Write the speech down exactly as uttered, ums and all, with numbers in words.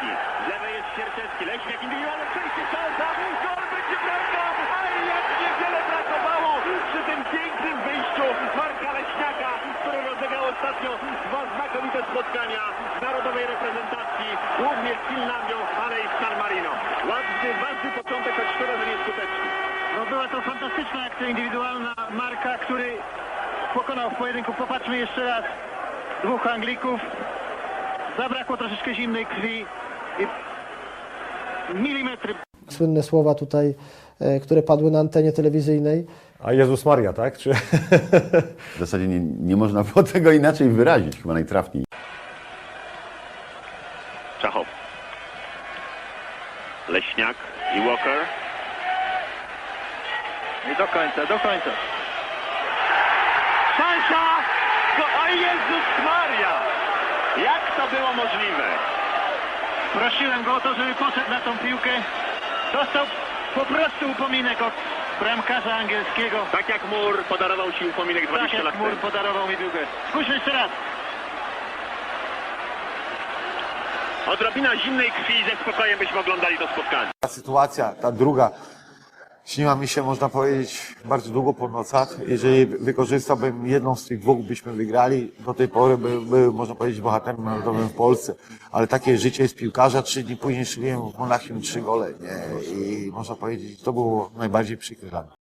Sierczewski. Z lewej jest Sierczewski. Leśniak indywidualne przejście. Szansa. Gol będzie bramka. Ale jak niewiele brakowało przy tym pięknym wyjściu Marka Leśniaka, który rozegrał ostatnio dwa znakomite spotkania w narodowej reprezentacji. Głównie z Finlandią, ale i z San Marino. Ładny, ważny początek, choć szkoda, że nieskuteczny. No była to fantastyczna akcja indywidualna Marka, który pokonał w pojedynku. Popatrzmy jeszcze raz. Dwóch Anglików. Zabrakło troszeczkę zimnej krwi. I milimetry. Słynne słowa tutaj, e, które padły na antenie telewizyjnej. A Jezus Maria, tak? Czy... W zasadzie nie, nie można było tego inaczej wyrazić, chyba najtrafniej. Czachow. Leśniak i Walker. I do końca, do końca. Szansa! O Jezus Maria! Jak to było możliwe? Prosiłem go o to, żeby poszedł na tą piłkę. Dostał po prostu upominek od bramkarza angielskiego. Tak jak Mur podarował Ci upominek Tak dwadzieścia lat jak Mur temu. podarował mi piłkę. Spójrzmy jeszcze raz. Odrobina zimnej krwi i ze spokojem byśmy oglądali to spotkanie. Ta sytuacja, ta druga, śniła mi się, można powiedzieć, bardzo długo po nocach. Jeżeli wykorzystałbym jedną z tych dwóch, byśmy wygrali. Do tej pory był, był można powiedzieć, bohaterem narodowym w Polsce. Ale takie życie jest piłkarza. Trzy dni później strzeliłem w Monachium trzy gole. Nie? I można powiedzieć, to było najbardziej przykre dla mnie.